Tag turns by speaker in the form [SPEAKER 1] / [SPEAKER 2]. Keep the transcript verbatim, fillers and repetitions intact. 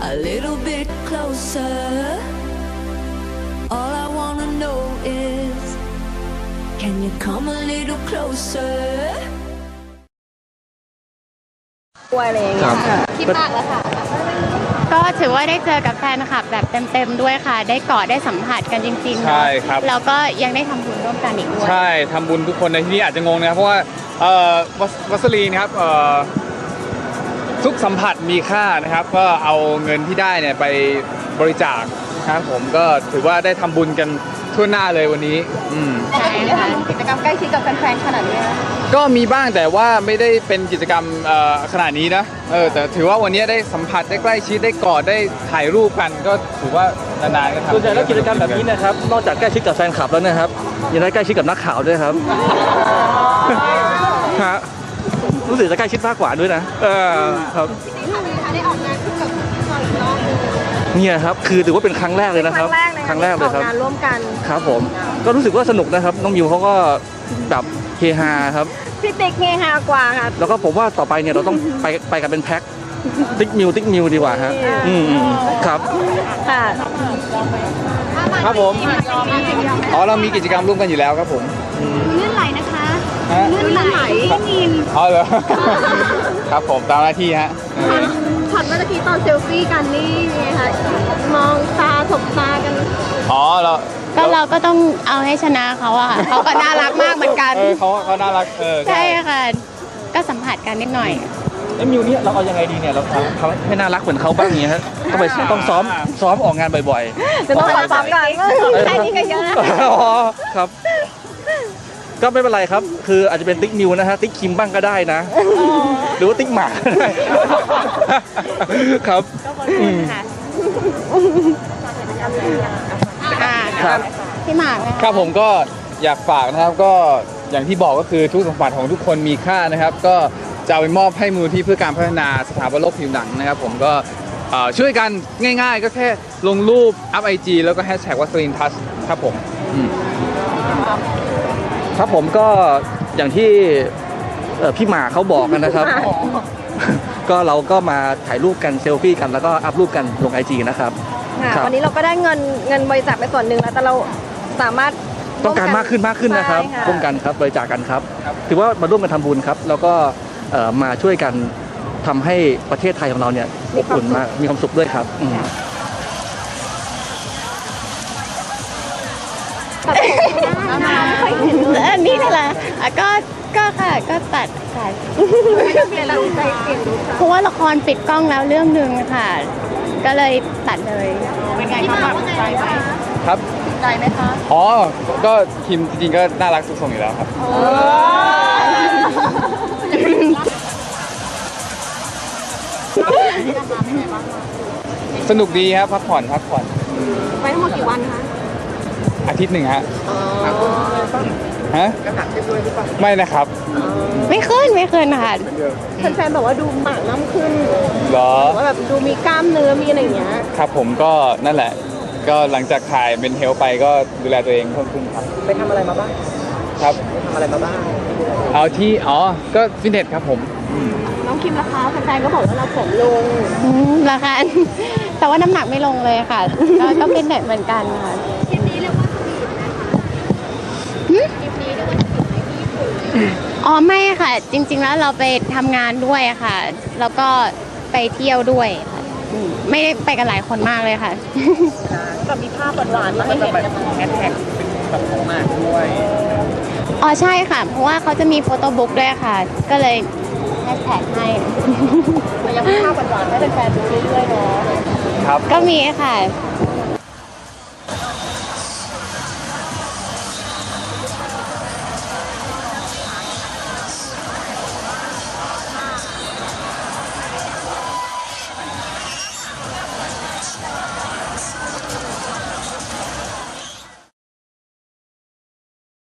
[SPEAKER 1] a little bit closer. All I wanna know is, can you come a little closer?
[SPEAKER 2] อะไรอย่างเงี้ยคิดมากแล้วค่ะก็ถือว่าได้เจอกับแฟนคลับแบบเต็มๆด้วยค่ะได้กอดได้สัมผัสกันจริงๆ
[SPEAKER 3] ใช่ครับ
[SPEAKER 2] แล้วก็ยังได้ทำบุญร่วมกันอีกด้วย
[SPEAKER 3] ใช่ทำบุญทุกคนในที่นี้อาจจะงงนะครับเพราะว่าเอ่อวัสลีนครับเอ่อทุกสัมผัสมีค่านะครับก็เอาเงินที่ได้เนี่ยไปบริจาคนะครับผมก็ถือว่าได้ทำบุญกันทั่วหน้าเลยวันนี้อืม
[SPEAKER 2] ใช่ค่ะกิจกรรมใกล้ชิดกับแฟนๆขนาดนี้
[SPEAKER 3] ก็มีบ้างแต่ว่าไม่ได้เป็นกิจกรรมขนาดนี้นะเออแต่ถือว่าวันนี้ได้สัมผัสได้ใกล้ชิดได้กอดได้ถ่ายรูปกันก็ถือว่านานๆก็ทำ
[SPEAKER 4] ส่วนใหญ่แล้วกิจกรรมแบบนี้นะครับนอกจากใกล้ชิดกับแฟนคลับแล้วนะครับยังได้ใกล้ชิดกับนักข่าวด้วยครับฮะรู้สึกจะใกล้ชิดมากกว่าด้วยนะเออครับ
[SPEAKER 2] ได้ออกงานคู่กับพี่อีกรอบนึง
[SPEAKER 4] เนี่ยครับคือถือว่าเป็นครั้งแรกเลยนะครับครั้งแรกเลยครับ
[SPEAKER 2] งานร่วมกัน
[SPEAKER 4] ครับผมก็รู้สึกว่าสนุกนะครับน้องมิวเขาก็แบบเฮฮาครับ
[SPEAKER 2] พี่ติ๊กเฮฮากว่าค่ะ
[SPEAKER 4] แล้วก็ผมว่าต่อไปเนี่ยเราต้องไปไปกันเป็นแพ็คติ๊กมิวติ๊กมิวดีกว่าฮะอืมครับ
[SPEAKER 2] ค่ะ
[SPEAKER 3] ครับผมอ๋อเรามีกิจกรรมร่วมกันอยู่แล้วครับผม
[SPEAKER 2] เลื่อนไหลนะคะเลื่อนไหลไม่มี
[SPEAKER 3] อ๋อเหรอครับผมตามหน้าที่ฮะ
[SPEAKER 2] ช็อตเมื่อกี้ตอนเซลฟี่กันนี่ไงคะมองตาสบตากัน
[SPEAKER 3] อ๋อเรา
[SPEAKER 2] ก็เราก็ต้องเอาให้ชนะเขาอะเขาก็น่ารักมากเหมือนกัน
[SPEAKER 3] เออเขาเขาน่ารักเออ
[SPEAKER 2] ใช่ค่ะก็สัมผัสกันนิดหน่อย
[SPEAKER 4] ไอ้มิวเนี่ยเราเอายังไงดีเนี่ยเราทำให้น่ารักเหมือนเขาบ้างอย่างเงี้ยฮะต้องไปต้องซ้อมซ้อมออกงานบ่อย
[SPEAKER 2] ๆจะต้องซ้อมกันแค่นี้ก็เยอะ
[SPEAKER 4] อ๋อครับก็ไม่เป็นไรครับคืออาจจะเป็นติ๊กมิวนะฮะติ๊กคิมบ้างก็ได้นะหรือว่าติ๊กหมาครับอืม
[SPEAKER 2] ครับพี่หมาก
[SPEAKER 3] ครับผมก็อยากฝากนะครับก็อย่างที่บอกก็คือทุกสัมผัสของทุกคนมีค่านะครับก็จะเอาไปมอบให้มูลที่เพื่อการพัฒนาสถาบันโรคผิวหนังนะครับผมก็ช่วยกันง่ายๆก็แค่ลงรูปอัพไอจีแล้วก็แฮชแท็กวัสลินทัชครับผม
[SPEAKER 4] ครับผมก็อย่างที่พี่หมาเขาบอกกันนะครับก็เราก็มาถ่ายรูปกันเซลฟี่กันแล้วก็อัพรูปกันลงไอจีนะครับ
[SPEAKER 2] วันนี้เราก็ได้เงินเงินบริจาคไปส่วนหนึ่งแล้วแต่เราสามารถ
[SPEAKER 4] ต้องการมากขึ้นมากขึ้นนะครับร่วมกันครับบริจาคกันครับถือว่ามาร่วมกันทำบุญครับแล้วก็มาช่วยกันทำให้ประเทศไทยของเราเนี่ยอบอุ่นมากมีความสุขด้วยครับ
[SPEAKER 2] อันนี้นี่แหละก็ก็ค่ะก็ตัดค่ะเพราะว่าละครปิดกล้องแล้วเรื่องหนึ่งค่ะก็เลยตัดเลยเป็นไงคะแบบใจไหม
[SPEAKER 3] ครับ
[SPEAKER 2] ใจไหมคะ
[SPEAKER 3] อ๋อก็คิมจริงๆก็น่ารักทุกทรงอยู่แล้วครับสนุกดีครับพักผ่อนพักผ่อน
[SPEAKER 2] ไปทั้งหมดกี่วันคะ
[SPEAKER 3] อาทิตย์หนึ่งฮะฮะไม่นะครับ
[SPEAKER 2] ไม่ขึ้นไม่ขึ้นค่ะแฟนๆบอกว่าดูหมากน้ำขึ้น
[SPEAKER 3] หรอ
[SPEAKER 2] ว่าแบบดูมีกล้ามเนื้อมีอะไรอย่างเงี้ย
[SPEAKER 3] ครับผมก็นั่นแหละก็หลังจากถ่ายเป็นเฮลไปก็ดูแลตัวเองเพิ่มขึ้นครับ
[SPEAKER 4] ไปทำอะไรมาบ้าง
[SPEAKER 3] ครับ
[SPEAKER 4] ไปทำอะไรมาบ้าง
[SPEAKER 3] เอาที่อ๋อก็ฟิตเนสครับผม
[SPEAKER 2] น้องคิมราคาแฟนๆก็บอกว่าเราผอมลงราคาแต่ว่าน้ำหนักไม่ลงเลยค่ะก็ฟิตเนสเหมือนกันค่ะคลิปนี้เรียกว่าสวีทนะคะคลิปนี้เรียกว่าสวีทในญี่ปุ่นอ๋อไม่ค่ะจริงๆแล้วเราไปทำงานด้วยค่ะแล้วก็ไปเที่ยวด้วยค่ะไม่ได้ไปกันหลายคนมากเลยค่ะ
[SPEAKER 4] ก็มีภาพหวานๆมาให้เห็นแฮชแท็กเป็นแบบของมากด้วย
[SPEAKER 2] อ๋อใช่ค่ะเพราะว่าเขาจะมีโฟโต้บุ๊กด้วยค่ะก็เลยแฮชแท็กให้
[SPEAKER 4] ยังมีภาพหวานๆให้แฟนๆดูเรื่อยๆเนาะ
[SPEAKER 3] ครับ
[SPEAKER 2] ก็มีค่ะ